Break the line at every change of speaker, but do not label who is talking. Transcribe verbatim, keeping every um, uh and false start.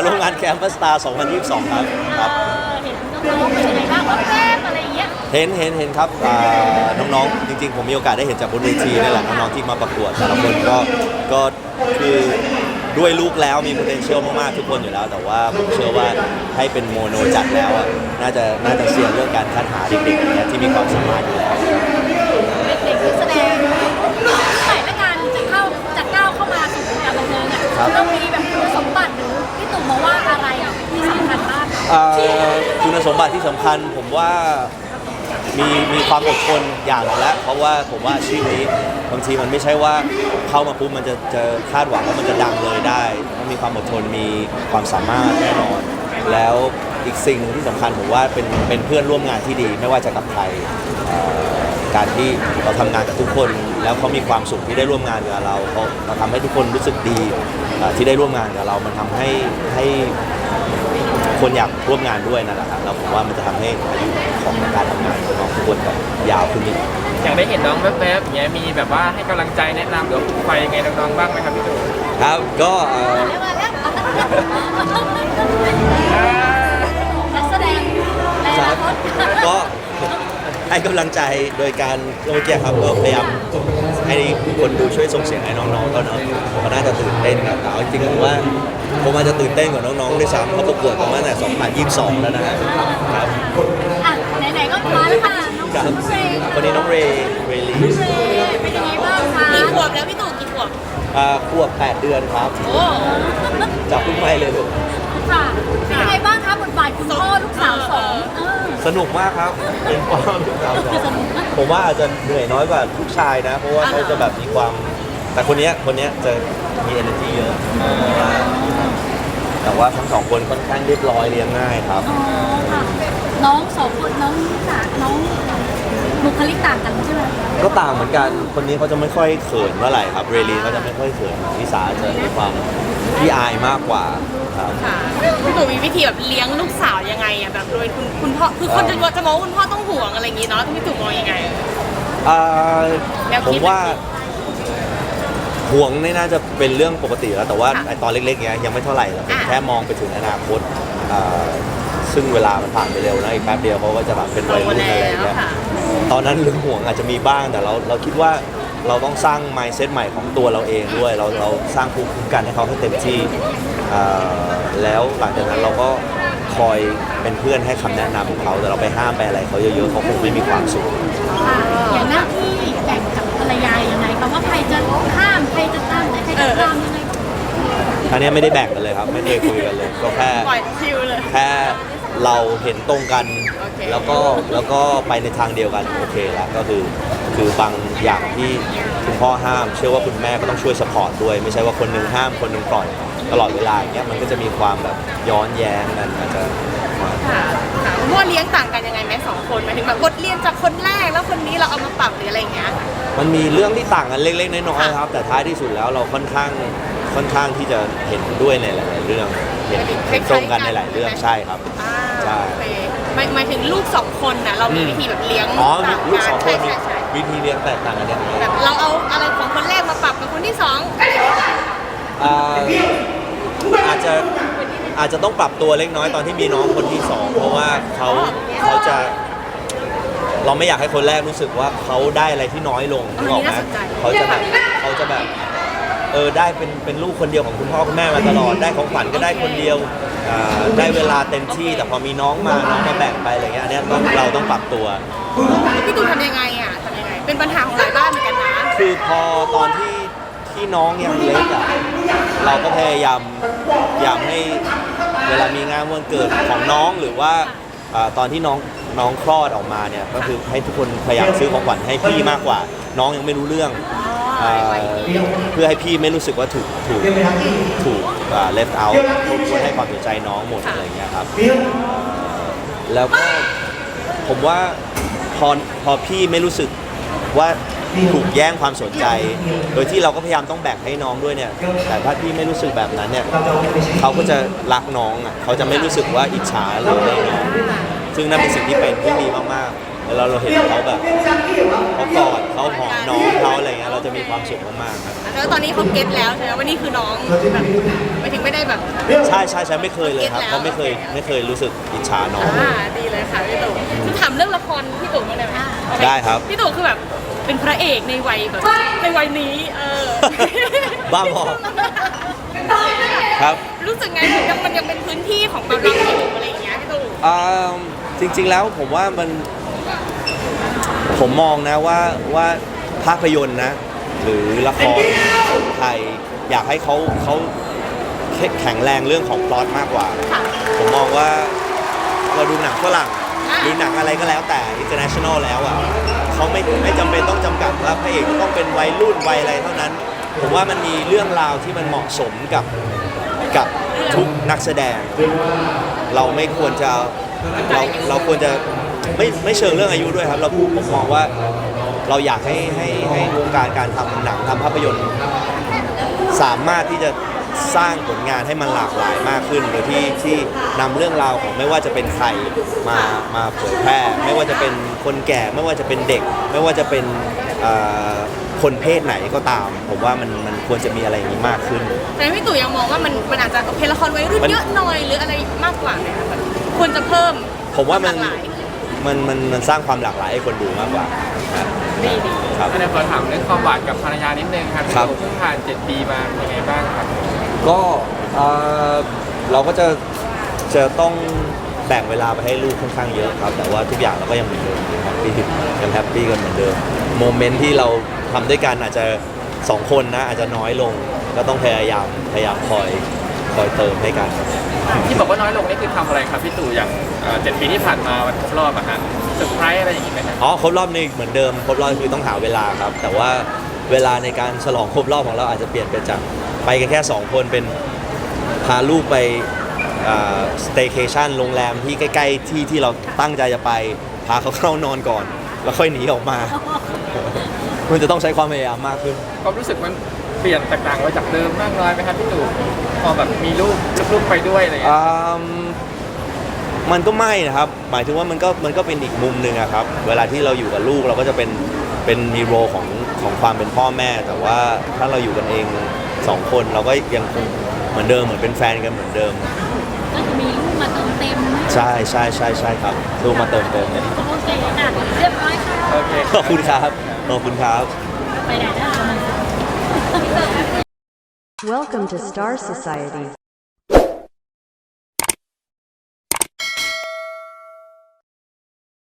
ร่วมงานแคมปัสสตาร์สองพันยี่สิบสองครับครับ
เห็นน้องๆเป็นยังไงบ้างว่าแรกอะไรอย่างเงี้ย
เห็นเห็นเห็นครับน้องๆจริงๆผมมีโอกาสได้เห็นจากบนเวทีนี่แหละน้องๆที่มาประกวดแต่ละคนก็ก็คือด้วยลูกแล้วมี potential มากๆทุกคนอยู่แล้วแต่ว่าผมเชื่อว่าให้เป็นโมโนจัดแล้วอ่ะน่าจะน่าจะเซียนเรื่องการคัดหาเด็กๆอย่างเงี้ยที่มีความสามารถอยู่แล้ว
เด็กๆที่แสดงใส่และการจะเข้าจะก้าวเข้ามาสู่วงการบันเทิงอ่ะต้องมีแบบคุณสมบัติหรือพี่ตู่มาว่าอะไรที่สำคัญบ้าง
คุณสมบัติที่สำคัญผมว่ามีมีความอดทนอย่างนึงแล้วเพราะว่าผมว่าอาชีพนี้บางทีมันไม่ใช่ว่าเข้ามาปุ๊บมันจะจะคาดหวังว่ามันจะดังเลยได้ต้องมีความอดทนมีความสามารถแน่นอนแล้วอีกสิ่งที่สำคัญผมว่าเป็นเป็นเพื่อนร่วมงานที่ดีไม่ว่าจะกับใครการที่เราทำงานกับทุกคนแล้วเขามีความสุขที่ได้ร่วมงานกับเราเขาเราทำให้ทุกคนรู้สึกดีที่ได้ร่วมงานกับเรามันทำให้ให้คนอยากร่วมงานด้วยนั่นแหละครับแล้วผมว่ามันจะทำให้อายุของการทำงานของน้องทุกคนแบบยาวขึ้นอีก
อย่างได้เห็นน้องแวบๆอย่างเงี้ยมีแบบว่าให้กำลังใจแนะนำหรือไปยังไงน้องๆบ้างไหมครับพี่ตู่
ครับก็
นักแสดง
ก็ให้กำลังใจโดยการเมื่อกี้ครับก็พยายามให้คนดูช่วยส่งเสียงให้น้องๆก็เนาะก็น่าจะตื่นเต้นครับแต่จริงๆผมว่าผมอาจจะตื่นเต้นกว่าน้องๆด้วยซ้ำเขาประกวดกันมาตั้งแต่สองพันยี่สิบสองแล้วนะครับ
อ่ะไหนๆก็มาแล้วค่ะน้องเรย์
วันนี้น้องเรย์เรลี่
เป็นยังไงบ้างคะกี่ขวบแล้วพี่ตู่กี่ขวบ
อ่าขวบแปดเดือนครับโอ้จับลูกไม้เลยลูก
ค่ะเป็นยังไงบ้างคะบทบาทคุณพ่อลูกสาวสอง
สนุกมากครับเป็นพ่อลูกสาวสองผมว่าอาจจะเหนื่อยน้อยกว่าลูกชายนะเพราะว่าเขาจะแบบมีความแต่คนนี้คนนี้จะมี energy เยอะแต่ว่าทั้งสองคนค่อนข้างเรียบร้อยเลี้ยงง่ายครับ
น้องสองคนน้องสาน้องบุคลิกต่างกันใช่ไหม
ก็ต่างเหมือนกันคนนี้เขาจะไม่ค่อยเขินเมื่อไหร่ครับเรลีเขาจะไม่ค่อยเขินนิสาจะมีความที่อายมากกว่าครับ
พี่ตู่มีวิธีแบบเลี้ยงลูกสาวยังไงอ่ะแบบโดยคุณคุณพ่อคือคนจะจะมองว่าคุณพ่อต้องห่วงอะไรอย่างงี้เนาะพี่ตู่มองยังไง
ผมว่าห่วงนี่น่าจะเป็นเรื่องปกติแล้วแต่ว่าตอนเล็กๆเนี้ยยังไม่เท่าไหร่เราแค่มองไปถึงอนาคตซึ่งเวลามันผ่านไปเร็วนะอีกแป๊บเดียวเขาก็จะแบบเป็นวัยรุ่นอะไรอย่างเงี้ยตอนนั้นเรื่องห่วงอาจจะมีบ้างแต่เราเราคิดว่าเราต้องสร้าง mindset ใหม่ของตัวเราเองด้วยเราเราสร้างภูมิคุ้มกันให้เขาให้เต็มที่แล้วหลังจากนั้นเราก็คอยเป็นเพื่อนให้คำแนะนำของเขาแต่เราไปห้ามไปอะไรเขาเยอะๆเขาคงไม่มีความสุข
อย่างหน้าที่แบ่งกับภรรยายังไงคะว่าใครจะห้ามใครจะตามใครจะตามยังไง
อันนี้ไม่ได้แบ่งกันเลยครับไม่ได้คุยกันเลยก็แค่แค่เราเห็นตรงกันแล้วก็แล้วก็ไปในทางเดียวกันโอเคแล้วก็คือคือบางอย่างที่คุณพ่อห้ามเชื่อว่าคุณแม่ก็ต้องช่วยสปอร์ตด้วยไม่ใช่ว่าคนนึงห้ามคนนึงปล่อยตลอดเวลาอย่างเงี้ยมันก็จะมีความแบบย้อนแย้งกันอาจจะ
ค่ะคุณพ่อเลี้ยงต่างกันยังไงไหมสองคนหมายถึงแบบบทเรียนจากคนแรกแล้วคนนี้เราเอามาปรับหรืออะไรเงี้ย
มันมีเรื่องที่ต่างกันเล็กๆน้อยๆครับแต่ท้ายที่สุดแล้วเราค่อนข้างค่อนข้างที่จะเห็นด้วยในหลายๆเรื่องเห็นเห็นตรงกันในหลายเรื่องใช่ครับ
ใช่หมายถึงลูกสองคนนะเรามีวิธีแบบเลี้ยง
อ๋อลูกสองคนมีวิธีเลี้ยงแตกต่างกันยังไง
แบบเราเอาอะไรของคนแรกมาปรับกับคนที่สอง
อาจจะอาจจะต้องปรับตัวเล็กน้อยตอนที่มีน้องคนที่สองเพราะว่าเขาเขาจะเราไม่อยากให้คนแรกรู้สึกว่าเขาได้อะไรที่น้อยลงนึกออกไหมเขาจะแบบเขาจะแบบเออได้เป็นเป็นลูกคนเดียวของคุณพ่อคุณแม่มาตลอดได้ของขวัญก็ได้คนเดียวได้เวลาเต็มที่แต่พอมีน้องมาน้องมาแบ่งไปอะไรเงี้ยอันนี้ต้องเราต้องปรับตัว
พี่ตู่ทำยังไงอ่ะทำยังไงเป็นปัญหาของหลายบ้านเหมือนกันนะ
คือพอตอนที่ที่น้องยังเล็กอ่ะเราก็พยายามพยายามให้เวลามีงานวันเกิดของน้องหรือว่าตอนที่น้องน้องคลอดออกมาเนี่ยก็คือให้ทุกคนพยายามซื้อของขวัญให้พี่มากกว่าน้องยังไม่รู้เรื่องเพื่อให้พี่ไม่รู้สึกว่าถูกถูกถูก left out ควรให้ความสนใจน้องหมดอะไรเงี้ยครับแล้วก็ผมว่าพอพอพี่ไม่รู้สึกว่าถูกแย่งความสนใจโดยที่เราก็พยายามต้องแบ่งให้น้องด้วยเนี่ยแต่ถ้าพี่ไม่รู้สึกแบบนั้นเนี่ยเขาก็จะรักน้องอ่ะเขาจะไม่รู้สึกว่าอิจฉาหรืออะไรน้องซึ่งนั่นเป็นสิ่งที่เป็นที่ดีมากๆแล้วเราเราเห็นเขาแบบเขากอดเขาหอมน้องเขาอะไรเงี้ยเราจะมีความสุขมากๆครับ
แล้วตอนนี้เขาเก็ตแล้วใช่ไหมว่านี่คือน้องแบบไม่ถึงไม่ได้แบบ
ใช่ใช่ใช่ไม่เคยเลยครับเขาไม่เคยไม่เคยรู้สึกอิจฉาน้อง
อ่าดีเลยค่ะพี่ตู่คือถามเรื่องละครพี่ตู่มาได้ไหม
ได้ครับ
พี่ตู่คือแบบเป็นพระเอกในวัยแบบในวัยนี้เออ
บ้าบอครับ
รู้สึกไงถึงยังมันยังเป็นพื้นที่ของแบบเราอยู่อะไรอย่างเงี้ยพี่ตู่
อ่าจริงๆแล้วผมว่ามันผมมองนะว่าว่าภาพยนตร์นะ หรือละครไทยอยากให้เขาเขาแข็งแรงเรื่องของพล็อตมากกว่า
ค่ะ
ผมมองว่าเราดูหนังฝรั่งหรือหนังอะไรก็แล้วแต่ international แล้วอ่ะเขาไม่ไม่จำเป็นต้องจำกัดว่าพระเอกต้องเป็นวัยรุ่นวัยอะไรเท่านั้น ผมว่ามันมีเรื่องราวที่มันเหมาะสมกับกับทุกนักแสดง เราไม่ควรจะเราเราควรจะไม่ไม่เชิงเรื่องอายุด้วยครับ เราผมมองว่าเราอยากให้ให้ให้วงการการทำหนังทำภาพยนตร์ สามารถที่จะสร้างผลงานให้มันหลากหลายมากขึ้นโดยที่ที่นำเรื่องราวของไม่ว่าจะเป็นใครมามาเผยแพร่ ไม่ว่าจะเป็นคนแก่ไม่ว่าจะเป็นเด็ก ไม่ว่าจะเป็นเอ่อคนเพศไหนก็ตาม ผมว่ามันมันควรจะมีอะไรอย่างนี้มากขึ้น
แต่พี่ตู่ยังมองว่ามันมันอาจจะโอเคละครวัยรุ่น
มัน
เยอะหน่อยหรืออะไรมากกว่าไหมคะแบบควรจะเพิ่ม
ผมว่ามัน
หลกหลาย
มันมันมันสร้างความหลากหลายให้คนดูมากกว่านะ
ดีดี
ครับ
อันนี้ขอถามเรื่องความหวานกับภรรยานิดนึงครับพี่
ครับ
ตู่เพิ่งผ่านเจ็ดปีมาเป็นยังไงบ้างครับ
ก็เอ่อเราก็จะจะต้องแบ่งเวลาไปให้ลูกค่อนข้างเยอะครับ แต่ว่าทุกอย่างเราก็ยังเหมือนเดิมแฮปปี้ยังแฮปปี้กันเหมือนเดิมโมเมนต์ที่เราทำด้วยกันอาจจะสองคนนะอาจจะน้อยลงก็ต้องพยายามพยายามคอยคอยเติมให้กัน
ที่บอกว่าน้อยลงนี่คือทำอะไรครับพี่ตู่อย่างเอ่อเจ็ดปีที่ผ่านมาวันครบรอบอะฮะเซอร์ไพรส์อะไรอย่างงี้ไหมครับ
อ๋อครบรอบนี่เหมือนเดิมครบรอบคือต้องหาเวลาครับ แต่ว่าเวลาในการฉลองครบรอบของเราอาจจะเปลี่ยนไปจากไปกันแค่สองคนเป็นพาลูกไปสเต y c a t i o n โรงแรมที่ใกล้ๆที่ที่เราตั้งใจจะไปพาเขาเข้านอนก่อน แล้วค่อยหนีออกมา มันจะต้องใช้ความพยายามมากขึ้น
ความรู้สึกมันเปลี่ยนแตกต่างไปจากเดิมมากน้อยไหมครับพี่ตู่พอแบบมีลูกลูกๆไปด้วยอะไรอย่างเงี้ย
อืมมันก็ไม่นะครับ หมายถึงว่ามันก็มันก็เป็นอีกมุมหนึ่งอะครับ เวลาที่เราอยู่กับลูกเราก็จะเป็นเป็นมีโรของของความเป็นพ่อแม่ แต่ว่าถ้าเราอยู่กันเองสองคนเราก็ยังคงเหมือนเดิมเหมือนเป็นแฟนกันเหมือนเดิม
ก็จะมีลูกมาเติมเต็ม
ใช่ใช่ใช่ใช่ครับลูกมาเติมเต็มเนี่ย
โอเคค่ะเรียบร้อยค่ะ
โอเค
ขอบคุณครับขอบคุณครับ
ไปไหนได้
Welcome to Star Society.